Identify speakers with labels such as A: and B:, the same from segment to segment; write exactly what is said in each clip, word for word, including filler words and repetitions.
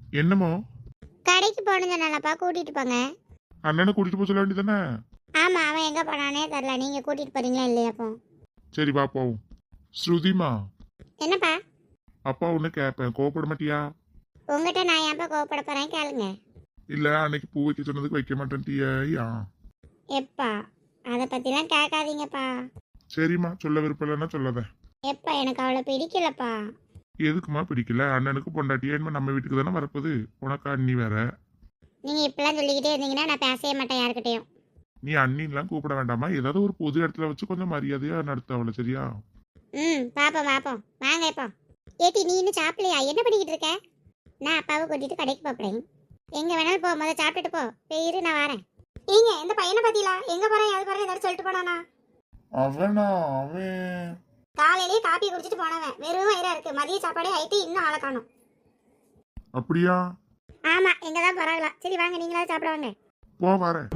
A: என்னமோ
B: கடைக்கு போகணும்னு சொன்னாலப்பா, கூட்டிட்டு போங்க.
A: அண்ணனை கூட்டிட்டு போக சொல்ல வேண்டியதானே?
B: ஆமா, அவன் எங்க போனானே தெரியல. நீங்க கூட்டிட்டு போறீங்களா இல்லையா? அப்போ
A: சரி வா போவோம். ஸ்ருதிமா,
B: என்னப்பா?
A: அப்பா ஒண்ணு கேட்பேன், கோவப்பட மாட்டியா?
B: உங்ககிட்ட நான் ஏன்ப்பா கோவப்பட போறேன்? கேளுங்க.
A: இல்ல அன்னைக்கு பூ வைக்க சொன்னதுக்கு வைக்க மாட்டேன்ட்டியா?
B: எப்பா, அதை பத்திலாம் கேட்காதீங்கப்பா.
A: சரிம்மா, சொல்ல விருப்பம் இல்லைன்னா சொல்லாத.
B: எப்பா, எனக்கு அவளை பிடிக்கலப்பா.
A: எதுக்குமா பிடிக்கல? அண்ணனுக்கு பொண்டாட்டியா இனிமே நம்ம வீட்டுக்கு தானே வரப்போகுது. உனக்கு அண்ணி வேற.
B: நீங்க இப்பெல்லாம் சொல்லிக்கிட்டே இருந்தீங்கன்னா நான் பேசவே மாட்டேன் யாருக்கிட்டையும்.
A: நீ அண்ணின்லாம் கூப்பிட வேண்டாமா? ஏதாவது ஒரு பொது இடத்துல வச்சு கொஞ்சம் மரியாதையா நடத்த அவளை, சரியா?
B: ம், பாப்போம் பாப்போம். வாங்க இப்போ. ஏட்டி, நீ இன்னும் சாப்பிடலையா? என்ன பண்ணிக்கிட்டு இருக்க? நான் அப்பாவை கூட்டிட்டு கடைக்கு போறேன். எங்க வேணாலும் போ, முதல்ல சாப்பிட்டுட்டு போ. பேரு நான் வரேன். நீங்க இந்த பையனை பத்திலா எங்க போறேன் அது போறேன் ஏதாவது சொல்லிட்டு போனானா?
A: அவனா? அவன்
B: காலையிலேயே காப்பி குடிச்சிட்டு போனவன் வெறும் வயிறா இருக்கு. மதிய சாப்பாடே ஆயிட்டு இன்னும் ஆளை காணும்.
A: அப்படியா?
B: ஆமா, எங்க தான் போறாங்களா? சரி வாங்க, நீங்களாவது சாப்பிட வாங்க.
A: போ வரேன்.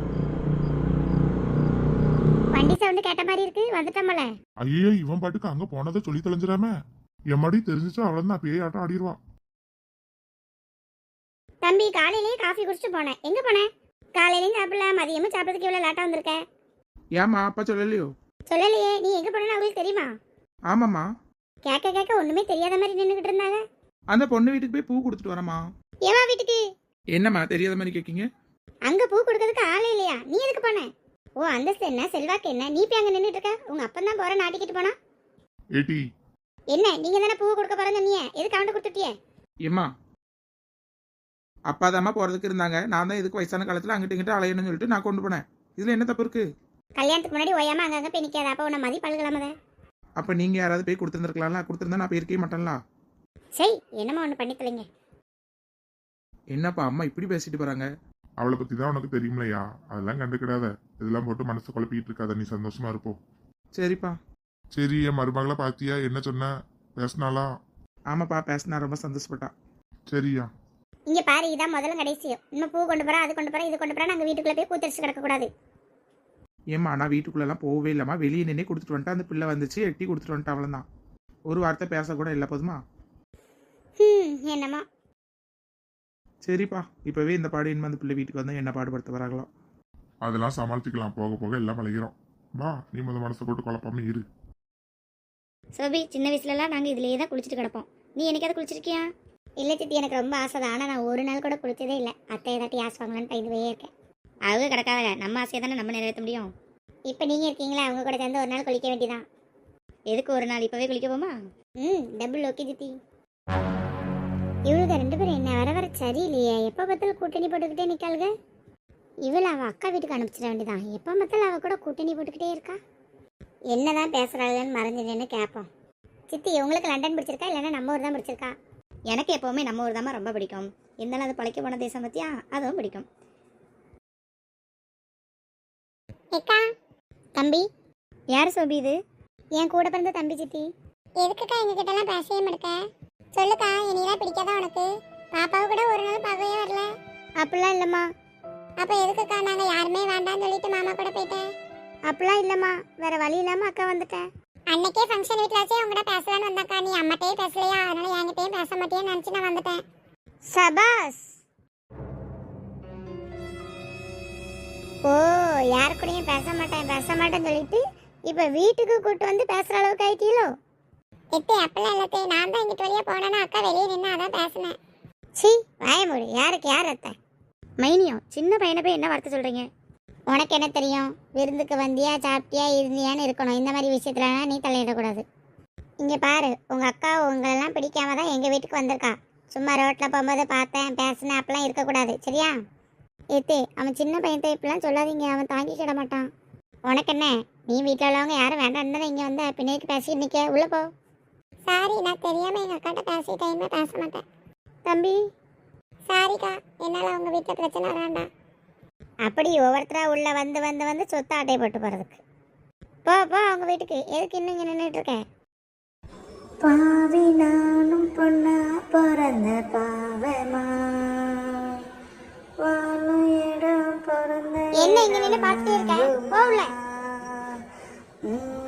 B: வண்டி சவுண்டு கேட்ட மாதிரி இருக்கு, வந்துட்டோம்ல.
A: ஐயோ, இவன் பாட்டுக்கு அங்க போனதை சொல்லி தொலைஞ்சிடாம. எம்மாடி தெரிஞ்சிச்சா அவளதான் அப்பயே ஆட்டம் ஆடிடுவா.
B: தம்பி, காலையிலேயே காஃபி குடிச்சிட்டு போனேன். எங்க போனேன்? காலையிலயும் சாப்பிடல, மதியமும் சாப்பிடறதுக்கு இவ்வளவு லேட்டா வந்திருக்க.
C: ஏமா அப்பா சொல்லலையோ?
B: சொல்லலையே. நீ எங்க போனேன்னு அவங்களுக்கு தெரியுமா?
C: ஆமாம்மா,
B: கேட்க கேட்க ஒண்ணுமே தெரியாத மாதிரி நின்றுகிட்டு இருந்தாங்க.
C: அந்த பொண்ணு வீட்டுக்கு போய் பூ கொடுத்துட்டு வரமா.
B: ஏவா வீட்டுக்கு?
C: என்னம்மா தெரியாத மாதிரி கேட்கீங்க?
B: அங்க பூ கொடுக்கறதுக்கு ஆளே இல்லையா? நீ எதுக்கு போன? ஓ, அந்தஸ்து என்ன, செல்வாக்கு என்ன, நீ போய் அங்க நின்றுட்டு இருக்க? உங்க அப்பன் தான் போற நாட்டிக்கிட்டு போனா.
A: ஏடி,
B: என்ன, நீங்க தானே பூ கொடுக்க போறேன்னு நீ எதுக்கு அவன்கிட்ட கொடுத்துட்டியே?
C: ஏம்மா, அப்பா தாம்மா போறதுக்கு இருந்தாங்க. நான் தான் இதுக்கு வயசான காலத்துல அங்கிட்ட இங்கிட்ட அலையணும்னு சொல்லிட்டு நான் கொண்டு போனேன். இதுல என்ன தப்பு இருக்கு?
B: கல்யாணத்துக்கு முன்னாடி ஓயாம அங்கங்க போய் நிக்காத. அப்ப உன்னை மதி பழகலாமத.
C: அப்ப நீங்க யாராவது போய் கொடுத்துருந்துருக்கலாம்ல. கொடுத்துருந்தா நான் போயிருக்கவே மாட்டேன்ல.
B: சரி, என்னமா ஒண்ணு பண்ணி தொலைங்க.
C: என்னப்பா அம்மா இப்படி பேசிட்டு போறாங்க?
A: அவளை பத்தி தான் உனக்கு தெரியுமில்லையா? அதெல்லாம் கண்டுக்கிடாத. இதெல்லாம் போட்டு மனசு குழப்பிட்டு இருக்காத. நீ சந்தோஷமா இருப்போம்.
C: சரிப்பா.
A: சரி, என் மருமகளை பாத்தியா? என்ன சொன்ன? பேசினாளா?
C: ஆமாப்பா, பேசினா ரொம்ப சந்தோஷப்பட்டா.
A: சரியா?
B: இங்க பாரு, இதான் முதல்ல கடைசியும். இன்னும் பூ கொண்டு போறா, அது கொண்டு போறா, இது கொண்டு போறா. நாங்க வீட்டுக்குள்ள போய் கூத்தரிச்சு கிடக்க கூடாது.
C: ஏம்மா, நான் வீட்டுக்குள்ளெல்லாம் போகவே இல்லைம்மா. வெளியே நின்று கொடுத்துட்டு வந்துட்டா. அந்த பிள்ளை வந்துச்சு, எட்டி கொடுத்துட்டு வந்துட்டா, அவ்வளோதான். ஒரு வார்த்தை பேசக்கூட இல்லை. போதுமா?
B: ம், என்னமா.
C: சரிப்பா, இப்பவே இந்த பாடு இனிமே அந்த பிள்ளை வீட்டுக்கு வந்து என்ன பாடுபடுத்த வராங்களோ.
A: அதெல்லாம் சமாளிச்சுக்கலாம். போக போக எல்லாம் பழகிறோம். வா, நீ முத மனசை போட்டு குழப்பாம இரு.
B: சோபி, சின்ன வயசுலலாம் நாங்கள் இதுலேயே தான் குளிச்சுட்டு கிடப்போம். நீ என்னைக்காவது குளிச்சிருக்கியா? இல்லை சித்தி, எனக்கு ரொம்ப ஆசை தான். ஆனால் நான் ஒரு நாள் கூட குளிச்சதே இல்லை. அத்தை ஏதாட்டி ஆசுவாங்களான்னு பயந்துவே இருக்கேன். அவங்க கிடக்காத, நம்ம ஆசையை தானே நம்ம நிறைவேற்ற முடியும். இப்போ நீங்கள் இருக்கீங்களா, அவங்க கூட சேர்ந்து ஒரு நாள் குளிக்க வேண்டியதான். எதுக்கு ஒரு நாள்? இப்போவே குளிக்க போமா? ம், டபுள் ஓகே சித்தி. இவளுக்கு ரெண்டு பேரும் என்ன வர வர சரியில்லையே. எப்போ பார்த்தாலும் கூட்டணி போட்டுக்கிட்டே நிற்காளுங்க. இவளை அவள் அக்கா வீட்டுக்கு அனுப்பிச்சிட வேண்டியதான். எப்போ பார்த்தாலும் அவள் கூட கூட்டணி போட்டுக்கிட்டே இருக்கா. என்னதான் பேசுறாங்கன்னு மறைஞ்சிடுன்னு கேட்போம். சித்தி, உங்களுக்கு லண்டன் பிடிச்சிருக்கா இல்லைன்னா நம்ம ஊர் தான் பிடிச்சிருக்கா? எனக்கு எப்போவுமே நம்ம ஊர் தான் ரொம்ப பிடிக்கும். இருந்தாலும் அது பழைக்க போன தேசம் பற்றியா, அதுவும் பிடிக்கும். ஏக்கா, தம்பி. யார் சோபி இது? என் கூட பிறந்த தம்பி சித்தி. எதுக்குக்கா எங்ககிட்ட எல்லாம் பேசவே மாட்டேக்க? சொல்லுக்கா, என்னையெல்லாம் பிடிக்காதா உனக்கு? பாப்பாவை கூட ஒரு நாள் பார்க்கவே வரல. அப்படிலாம் இல்லைம்மா. அப்போ எதுக்குக்கா நாங்கள் யாருமே வேண்டாம்னு சொல்லிட்டு மாமா கூட போயிட்டேன்? அப்படிலாம் இல்லைம்மா, வேற வழி இல்லாமல் அக்கா வந்துட்டேன். அன்னைக்கே ஃபங்க்ஷன் வீட்டிலாச்சே உங்கள்கிட்ட பேசலான்னு வந்தாக்கா. நீ அம்மாட்டையே பேசலையா? அதனால என்கிட்டயும் பேச மாட்டேன்னு நினச்சி நான் வந்துட்டேன். சபாஸ். ஓ, யாரு கூடயும் பேச மாட்டேன் பேச மாட்டேன்னு சொல்லிட்டு இப்போ வீட்டுக்கு கூட்டு வந்து பேசுகிற அளவுக்கு ஆயிட்டீங்களோ? எத்தே, அப்பெல்லாம் இல்லத்தே. நான் தான் இங்கிட்டு வழியாக போனேன்னா அக்கா வெளியே நின்று அதான் பேசினேன். சி, வாயமூடு. யாருக்கு யார் அத்தை? மைனியம், சின்ன பையனை போய் என்ன வார்த்தை சொல்கிறீங்க? உனக்கு என்ன தெரியும்? விருந்துக்கு வந்தியா, சாப்பிட்டியா, இருந்தியான்னு இருக்கணும். இந்த மாதிரி விஷயத்துலலாம் நீ தலையிடக்கூடாது. இங்கே பாரு, உங்கள் அக்கா உங்களெல்லாம் பிடிக்காம தான் எங்கள் வீட்டுக்கு வந்திருக்கா. சும்மா ரோட்டில் போகும்போது பார்த்தேன் பேசினேன் அப்படிலாம் இருக்கக்கூடாது, சரியா? ஏத்தே, அவன் சின்ன பையன், இப்படிலாம் சொல்லாதீங்க. அவன் தாங்கிக்கிட மாட்டான். உனக்கு என்ன? நீ வீட்டில் உள்ளவங்க யாரும் வேண்டாம் தானே இங்கே வந்து பின்னாடி பேசிட்டு நிற்க. உள்ளே போ. சாரி, நான் தெரியாமல் எங்கள் அக்காட்ட பேசிட்டேன். பேச மாட்டேன். தம்பி, சாரிக்கா. என்னால் அவங்க வீட்டில் பிரச்சனை வேண்டாம். அப்படி ஒவ்வொருத்தராக உள்ளே வந்து வந்து வந்து சொத்தை அட்டை போட்டு போகிறதுக்கு. போ போ அவங்க வீட்டுக்கு. எதுக்கு இன்னும் இங்கே நின்றுட்டு இருக்க?
D: பாவி நானும் பொண்ணா பிறந்த பாவமா, வாழும் இடம் பிறந்த
B: என்ன இங்கே நின்று பார்த்துட்டே இருக்க? போ உள்ள.